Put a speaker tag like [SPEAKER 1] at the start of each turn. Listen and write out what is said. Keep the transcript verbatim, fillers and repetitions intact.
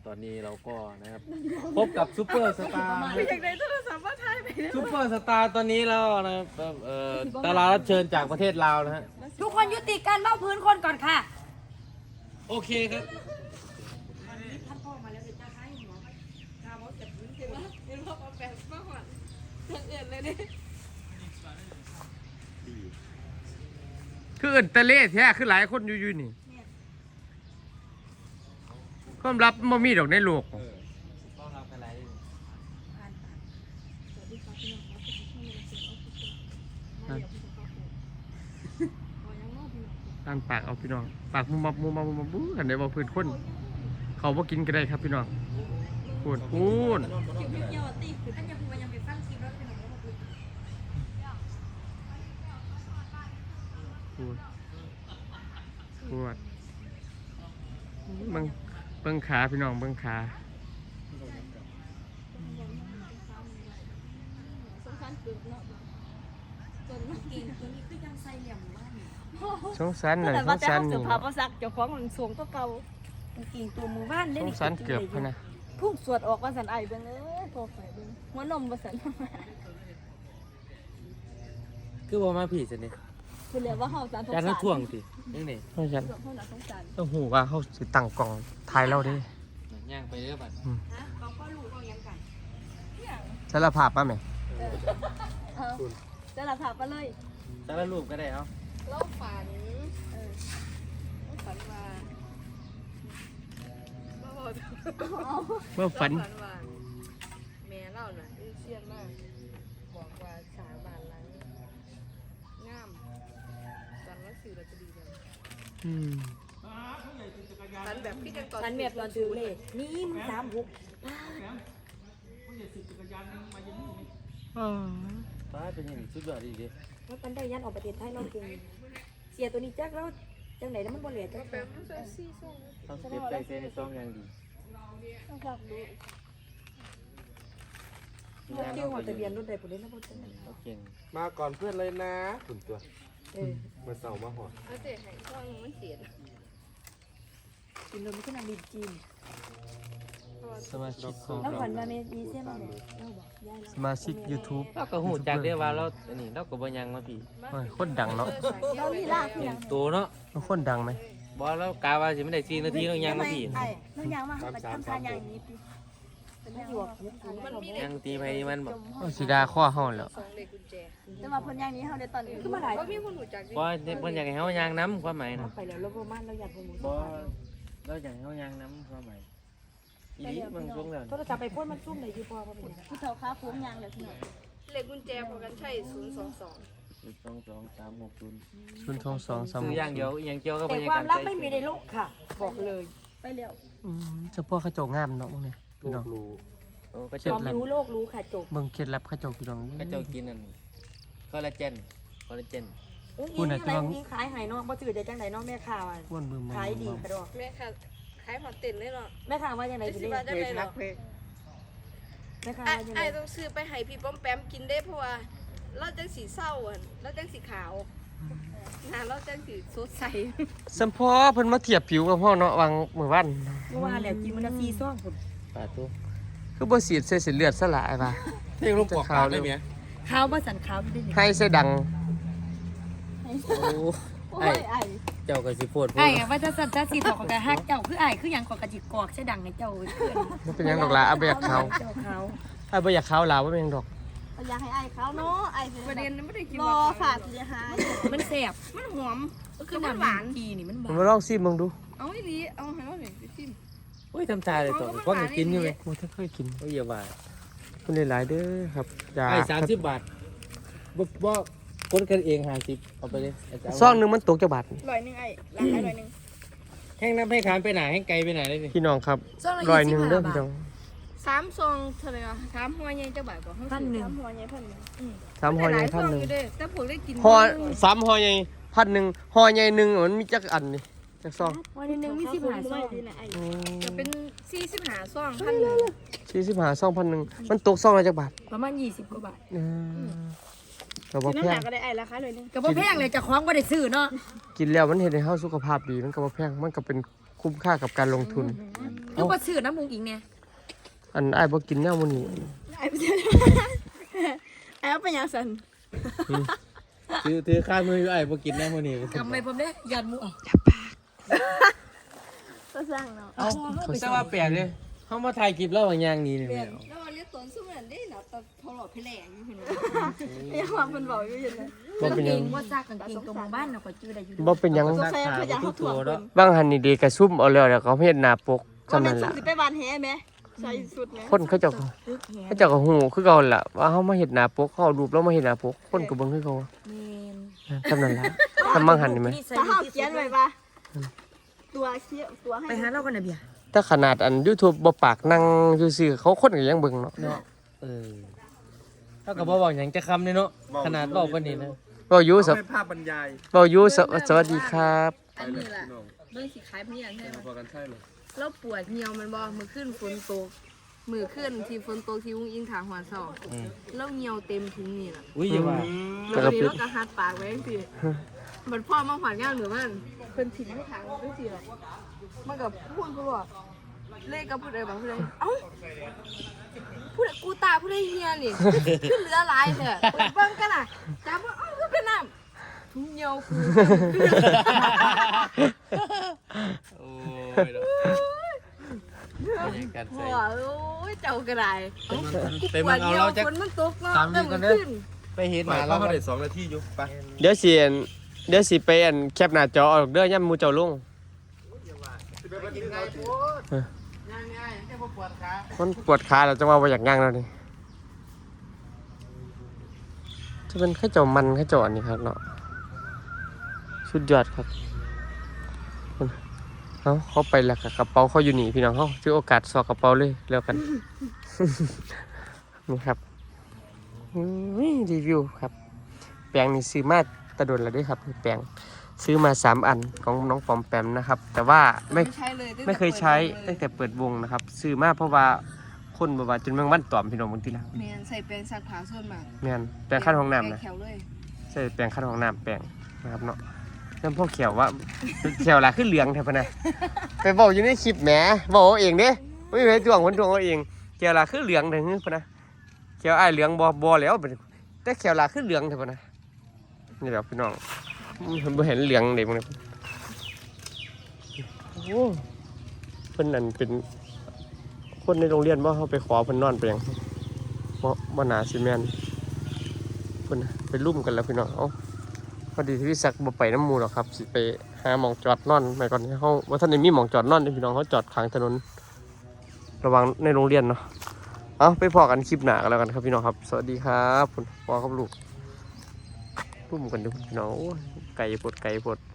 [SPEAKER 1] ตอนนี้เราก็นะครับพบกับซูเปอร์สตาร์
[SPEAKER 2] อยากได้โทรศัพท์ว่าไทยไป
[SPEAKER 1] ซูเปอร์สตาร์ตอนนี้แล้วนะครับเอ่อดารารับเชิญจากประเทศลาวนะฮะ
[SPEAKER 3] ทุกคนยุติการเบ้าพื้นคนก่อนค่ะ
[SPEAKER 1] โอเคครับ
[SPEAKER 3] ท่านพ่อมาแล้วเดี๋ยวจะให้หัวข้าวเก็บพื้น
[SPEAKER 2] เห็นว่าเห็นว่าเอาแบบมาหอนเรื่องอื่นเลยเนี่ย
[SPEAKER 4] คือเอินตะเล่แท้คือหลายคนอยู่ๆนี่ความลับมันมีดอกในโลก
[SPEAKER 1] ต้อนรับกันไร
[SPEAKER 4] อ่านปากเอาพี่น้องปากมุมมับมุมมับมุมมับบู๊กันได้บ่พื้นคนเขาบ่กินก็ได้ครับพี่น้องพูดพูด
[SPEAKER 3] จิ๋วเกี่ยวตีคือท่านยังมันยังไปฟังคลิปแล้วเป็นของเราคือ
[SPEAKER 4] พูดพูดเบิ่งเบิ่งขาพี่น้องเบิ่งขา
[SPEAKER 2] สงสารเกือบเนาะจน
[SPEAKER 3] เก่งตัวนี้คือยังใส่เหลี่ยมว่านี่
[SPEAKER 4] สงสารหน่อยสงสารนี่
[SPEAKER 2] ภาพสักเจ้าของมันสูงตัวเก่า
[SPEAKER 3] เก่งตัวมือบ้าน
[SPEAKER 4] ส
[SPEAKER 3] ได้
[SPEAKER 4] งสารเกือบพะนะ
[SPEAKER 2] พุ่งสวดออกว่าสันไอเบิ้งเอ้ยพอไปเบิ้งหัวนมว่าสัน
[SPEAKER 1] คือว่ามาผีสิเนี่ย
[SPEAKER 2] คือเรียกว่าเฮาสารสง
[SPEAKER 1] การ
[SPEAKER 2] สาร
[SPEAKER 1] ทั้งท่วงสินี่นี่
[SPEAKER 4] เพราะฉะนั้น
[SPEAKER 2] เฮาหนาสงสาร
[SPEAKER 4] ต้องหูว่าเขาสิตั้งกล่องถ่ายเราเด้
[SPEAKER 1] ย่างไปเรื่อยบัด
[SPEAKER 3] ฮะเขาก็รู้เขายังกัน
[SPEAKER 4] สารภาพป่ะแม่
[SPEAKER 2] เออจะหลับถามไปเลย
[SPEAKER 1] แต่ละรูปก็ได้เอา
[SPEAKER 2] เราฝันเออเราฝันว่าเราบอก
[SPEAKER 4] เมื่อฝัน
[SPEAKER 2] เราว่าแม่เราน่ะอีเชียนมากบอกว่าสาบานหลังงามตอนว่าสื่อเราจะดีเลย
[SPEAKER 4] อืม
[SPEAKER 2] ฝันแบบพี่จังตอน
[SPEAKER 3] ฉันเมียตอนถือเลขนี่มึงสามหก
[SPEAKER 4] อ๋อ
[SPEAKER 1] ฟ้าเป็นยังไงสุดยอดดีดิ
[SPEAKER 3] ว่าปันได้ยันออกประเทศไทยเราเก่งเสียตัวนี้จักแล้วจังไหนแล้วมันบ่เหลือจัก
[SPEAKER 2] แบบมันจะซี่ส่ง
[SPEAKER 1] ต้องเก็บใจเซในซองอย่างดี
[SPEAKER 2] ต้องฝากดู
[SPEAKER 3] เกี่ยวหัวทะเบียนรถใดบ่ได้นะบ่จังนั้น
[SPEAKER 1] เราเก่ง
[SPEAKER 5] มาก่อนเพื่อนเลยนะคุณตัว
[SPEAKER 3] เออ
[SPEAKER 5] มาเสาร์มาหอด
[SPEAKER 2] เอาเจ๊ให้ช่องมันเสีย
[SPEAKER 3] กินนมขึ้นนางดินจีน
[SPEAKER 1] สมาชิกของ
[SPEAKER 3] แล้ว
[SPEAKER 1] เรา
[SPEAKER 3] ฝันว่ามีมีเส้นมาเนี่ยเราบอกยาย
[SPEAKER 4] สมาชิก YouTube
[SPEAKER 1] เราก็หูจากได้ว่าเราอันนี้เราก็บ่ยังมาผี
[SPEAKER 4] โอ้ยคนดังเนาะ
[SPEAKER 3] เราลีลาคือหยัง
[SPEAKER 1] ตัวเนาะ
[SPEAKER 4] มันคนดังไหม
[SPEAKER 1] บอกแล้วกาว่าสิไม่ได้สี่นาทีเรายังมาผี
[SPEAKER 3] ไอ้เรายังมาไปทำทานอย่างนี้ติเป็นหยวก
[SPEAKER 2] มันมี
[SPEAKER 1] ยังตีไปมันบอก
[SPEAKER 4] เอาสีดาข้อห้องแล้ว
[SPEAKER 2] สองเลขกุญแจแต่ว่าเพิ่นอย่างนี้เฮาได้ตอนนี้คือมาหลายว่ามีคนรู้จักดิ
[SPEAKER 1] เพราะเพิ่นอยากให้เฮายางน้ำความหมายนะ
[SPEAKER 3] ไปแล้วเราประมาณเราอยากไปหมู
[SPEAKER 1] บ่เราอยากให้เฮายางน้ำความหมายอีนี้มันช่วงแล้ว
[SPEAKER 3] โทรศัพท์ไปพ่นมันซุ่มได้อยู่พอบ่เป็น
[SPEAKER 2] ผู้เฒ่าค้าฟุ้งยางแล้วพี่น้องเลขกุญแจพอกันใช้ศูนย์สองสอง
[SPEAKER 1] สองสองสามหกศูนย์
[SPEAKER 4] ชุนทองสองสาม
[SPEAKER 1] ซื้ออย่างเดียวอย่างเกี่ยวกับ
[SPEAKER 3] แต่
[SPEAKER 1] บรรยา
[SPEAKER 3] ควา
[SPEAKER 1] าม ศ
[SPEAKER 3] กลับไม่มีในโลกค่ะ บอกเลย
[SPEAKER 2] ไปแล้ว
[SPEAKER 4] อืมเฉพาะข้าเจ้างามเนาะพวกเนี่ย
[SPEAKER 5] ลู
[SPEAKER 4] พี่น้อก ง
[SPEAKER 5] รู้
[SPEAKER 1] โอ้ก็
[SPEAKER 3] ค
[SPEAKER 1] เจ้าว
[SPEAKER 3] ามรู้โลกรู้ค่ะจบ
[SPEAKER 4] เบิ่งเคล็ดลับข้าเจ้าพี่น้อง
[SPEAKER 1] ก็เจ้ากินนั่นคอลลาเจนคอลลาเจน
[SPEAKER 3] อุ้งอิงอะไรอุ้งอิงขายหายเนาะบ่ถือได้จังไดเนาะแม่ค้าว่า
[SPEAKER 4] อ้วนบึม
[SPEAKER 3] ขายดีกระดอก
[SPEAKER 2] แม่ค่ะขายหอดเต็นเลยเนาะ
[SPEAKER 3] แม่ค้าว่าจังได
[SPEAKER 2] ได้
[SPEAKER 3] สิ
[SPEAKER 2] สิ
[SPEAKER 3] เด้
[SPEAKER 2] บาทได้เลยเนาะ
[SPEAKER 3] แม่ค้า
[SPEAKER 2] ไอ้
[SPEAKER 3] ว่าจังได
[SPEAKER 2] ไอ้ต้องซื้อไปให้พี่ป้อมแปมกินได้เพราะว่าเราจังสีเศร้าอ่ะเราจังสีขาวหน้าเราจังสีสดใส
[SPEAKER 4] สัมพอเพิ่นมาเทียบผิวกับพ่อเนาะวางมื้อวัน
[SPEAKER 3] เมื่อวานแล้วกินมันละสี่ซองพุ่น
[SPEAKER 1] ปลาตัว
[SPEAKER 4] คือบ่สีดใส่เส้นเลือดซะหลายป่ะ
[SPEAKER 5] เที่ยงลูกปอกปากได้ไหม
[SPEAKER 3] ขาวบ่สันขาวได้นี่
[SPEAKER 4] ให้ใส่ดัง
[SPEAKER 1] โอ้
[SPEAKER 2] โอ้
[SPEAKER 1] ไอ้
[SPEAKER 2] ยไอ้
[SPEAKER 1] เจ้าก็สิโพด
[SPEAKER 3] ไอ้ว่าจะสันจะสีถอกกะฮักเจ้าคือไอ้คือหยังกอกะจิกอกใช่ดังในเจ้าเพื่อน
[SPEAKER 4] บ่เป็นหยังดอกล่ะเอาไปอยากเขา
[SPEAKER 3] เจ้าขาว
[SPEAKER 4] เอาไปอยากเขาลาวบ่เป็นหยังดอก
[SPEAKER 2] อยากให้ไอ้เขาเนาะไอ้
[SPEAKER 3] ประเด็นไม่ได้กิน
[SPEAKER 2] รอฝากสิหาย
[SPEAKER 3] มันแซ่บ
[SPEAKER 2] มันหอมคือมันหวาน
[SPEAKER 3] กีนี่มันห
[SPEAKER 4] ผ
[SPEAKER 3] วาม น
[SPEAKER 4] มาลองซิมเบิ่งดู
[SPEAKER 2] เอาอีหลีเอาให้เราหน่อยไปชิม
[SPEAKER 1] โอ้ยทำตาเลยตัวเพราะมันกินอยู่ไหม
[SPEAKER 4] บ่ทันเคยกิน
[SPEAKER 1] โอ้ยอย่าว่า
[SPEAKER 4] คุณหลายๆเด้อครับยา
[SPEAKER 1] ไอ้สามสิบบาทบ่บ่คนกันเองห้าสิบเอาไปเลยไอ้เจ้า
[SPEAKER 4] ซองหนึงมันตกจักบาท
[SPEAKER 2] ร้อยหนึ่งไอ้ร้านไอ้ร้อยหนึ่ง
[SPEAKER 1] แห้งน้ำให้ขามไปไหนแห้งไกลไปไหนเลยนี่
[SPEAKER 4] พี่น้องครับร้อยหนึงเด้อพี่น้อง
[SPEAKER 2] สามซองเท่าไหร่อะสามหัวใหญ่เจ้าบ่าวกว่าสามหัวใหญ่พันหนึ่ง
[SPEAKER 4] สามห่อใหญ่พันหนึง
[SPEAKER 2] อยู่เด้แต่ผมได้กิน
[SPEAKER 4] ห่อสามห่อใหญ่พันหนึงห่อใหญ่หนึงมันมีจักอันนี่จักซอง
[SPEAKER 2] วันหนึ่งมีสิบห้าซอง
[SPEAKER 4] อืม
[SPEAKER 2] จะเป็นสี่สิบห้าซองพันหนึ่ง
[SPEAKER 4] สี่สิบห้าซองพันหนึงมันตกซองละจักบาท
[SPEAKER 3] ประมาณยี่สิบกว่าบาท
[SPEAKER 4] อืมก็บ่
[SPEAKER 2] น้ำ
[SPEAKER 4] แพ
[SPEAKER 2] หนั
[SPEAKER 4] ง
[SPEAKER 2] กก็ได้ไอ้ราคาเลยนึง
[SPEAKER 3] ก็บ่แพงเลยจะคล้องบ่ได้ซื้อเนาะ
[SPEAKER 4] กินแล้วมันเฮ็ดให้เฮาสุขภาพดีมันก็บ่แพงมันก็เป็นคคุ้มค่ากับการลงทุน
[SPEAKER 3] คือบ่ซื้อน้ำมุงอิงเนี่ย
[SPEAKER 4] อันอ้ายบ่กินแนวมื้อนี้
[SPEAKER 3] ไอ้ไปซื้อไอ้เอาไปยังสัน
[SPEAKER 1] ถือถือข้ามืออยู่ไอ้พวกกินได้มื้อนี้
[SPEAKER 3] กำไม่ผมเด้ยันมุเอาก็สร้างเนาะ
[SPEAKER 1] เอ้าแต่ว่าแปลกเลยเฮามาถ่ายคลิปแล้วว่าย่างนี้นี่แม่
[SPEAKER 3] แล้วเรียกตนสู้เหมือนได้เนาะตอนเขาหลอกพี่แหลงอยู่เห็นไหมเรียกความเป็นบอกอยู่เห็นไหม
[SPEAKER 4] บ่เป็นหยัง
[SPEAKER 3] ว่าซักกางเกงตัวหมู่บ้านเนาะก็จื้อได้อยู่
[SPEAKER 4] บ่เป็นหยัง
[SPEAKER 1] ซักผ้าทุกตัวเนาะ
[SPEAKER 4] บางหันนี่เดกระซุ่มเอาแล้วแล้วเขาเฮ็ดหน้าปก
[SPEAKER 3] ก็
[SPEAKER 4] จำ
[SPEAKER 3] เป็
[SPEAKER 4] นั่
[SPEAKER 3] น
[SPEAKER 4] น
[SPEAKER 3] สุ
[SPEAKER 4] ล่ะ
[SPEAKER 3] ดสิไปบานแฮไหมใส่สุดไหม
[SPEAKER 4] คนเขาเจ้าก็เขาเจ้าก็ฮู้คือเก่าล่ะว่าเฮามาเฮ็ดหน้าปกเขาเอารูปแล้วมาเฮ็ดหน้าปกคนก็เบิ่งคือเก่า
[SPEAKER 3] เมน
[SPEAKER 4] จำนั่นล่ะทำบางหันนี่มั้ย
[SPEAKER 3] ถ้าเฮาเขียนไว้ป่ะตัวเขียตัวให้ไปหาเรากันน่ะเบีย
[SPEAKER 4] ถ้าขนาดอัน YouTube บ่ปากนั่งซื่อๆเขาคนก็ยังเบิ่งเนาะ
[SPEAKER 1] เนาะเออเท่ากับบ่บอกหยังจะคำเลยเนาะขนาดบอกปานนี้นะ
[SPEAKER 4] เว้าอยู่ส
[SPEAKER 5] เป็นภาพบรรยาย
[SPEAKER 4] เว้าอยู่สสวัสดีครับ
[SPEAKER 2] อันนี้ล่ะเบิ่งสิขายเพียงใช่ไหม
[SPEAKER 5] พอกันใช่เลย
[SPEAKER 2] แล้วปวดเหี่ยวมันบ่มือขึ้นฝนตกมือขึ้นที่ฝนตกที่อุ้งอิงทางหัวซอก
[SPEAKER 1] อืม
[SPEAKER 2] แล้วเหี่ยวเต็มถุงนี่ล่ะ
[SPEAKER 1] อุ้ยอย่าว่า
[SPEAKER 2] แล้วนี้เราก็หัดปากไว้จังซี่มันพ่อมาหวานงานหรือมันเพิ่นทิ้งให้ทางจังซี่ล่ะมันก็พูดพูดว่าเลขก็พูดได้บ่พูดได้เอ้าพูดกูตาพูดได้เฮียนี่ขึ้นเหลือหลายแท้เบิ่งกันน่ะจับว่าเอ้าคือเป็นน้ำถุงเหี่ยวกู
[SPEAKER 1] โอ้ยเนาะบรรยากาศ
[SPEAKER 2] พ่
[SPEAKER 1] ใส่
[SPEAKER 2] อโอ้ยเจ้ากระไดเอ้า
[SPEAKER 1] ไปเบิ่งเอาเราจะ
[SPEAKER 2] ฝนมันตกเนาะ
[SPEAKER 1] ตามนี้ก่อนเด้อ ไปเห็นห
[SPEAKER 5] มา
[SPEAKER 1] มา
[SPEAKER 5] แล้
[SPEAKER 1] แล้ว ว
[SPEAKER 5] เขาได้สองนาทีอยู่ไป
[SPEAKER 4] เดี๋ยวสิอันเดี๋ยวสิไปอันแคปหน้าจอออกเด้อย่ำหมู่เจ้าลง
[SPEAKER 1] กินไงพูดย่างไงแค่พวกปวดขา
[SPEAKER 4] มันปวดขาแล้วจังว่าบ่อยากย่างแล้วนี่จะเป็นข้าวเจ้ามันข้าวเจ้าอันนี้ครับเนาะสุดยอดครับเอ้าเขาไปแล้วกับกระเป๋าเขาอยู่นี่พี่น้องเขาถือโอกาสสอกกระเป๋าเลยแล้วกัน นี่ครับอืมรีวิวครับ แปลงนี่ซื้อมาตะดนแล้วด้วยครับแปลงซื้อมาสามอันของน้องปอมแปมนะครับ แต่ว่าไม่
[SPEAKER 2] ใช้เลยตั้งแต่
[SPEAKER 4] ไม่เคยใช้
[SPEAKER 2] ปิ
[SPEAKER 4] ตั้
[SPEAKER 2] ด
[SPEAKER 4] งแต่เปิดวงนะครับซื้อมาเพราะว่าคนบอกว่าจนแมงวันตอมพี่น้องบางทีละ
[SPEAKER 2] แมนใส่แปรงซักผ้าส่วนมาก
[SPEAKER 4] แม่นแปลงขั้นห้องน้ำนะ
[SPEAKER 2] แปรงแขวเลย
[SPEAKER 4] ใช่แปลงขั้นห้องน้ำแปลงนะครับเนาะน้ำพวกเขียวว่าเขียวละขึ้นเหลืองแทบนะไปบอกอยู่ในคลิปแหมบอกเอาเองเด้ไม่มีใครทวงคนทวงเอาเองเขียวละขึ้นเหลืองเถอะพะนะเขียวไอ้ายเหลืองบอบอแล้วแต่เขียวละขึ้นเหลืองเถอะพะนะนี่แหละพี่น้องบ่เห็นเหลืองเด็กมันเลยโอ้เพิ่นนั่นเป็นคนในโรงเรียนบ่เขาไปขอเพิ่นนอนเปียงบ่บ่หนาซีเมนต์เพิ่นไปลุ่มกันแล้วพี่น้องเอ้าพอดีที่พี่ศักดิ์บ่ไปน้ำหมู่หรอกครับสิไปหาหม่องจอดนอนไปก่อนเฮาว่าท่านได้มีหม่องจอดนอนเด้อพี่น้องเขาจอดข้างถนนระวังในโรงเรียนเนาะเอาไปพอกันคลิปหน้ากันแล้วกันครับพี่น้องครับสวัสดีครับคุณพ่อครับลูกลุ่มกันเด้อพี่น้องโอ้ยไก่ปวดไก่ปวด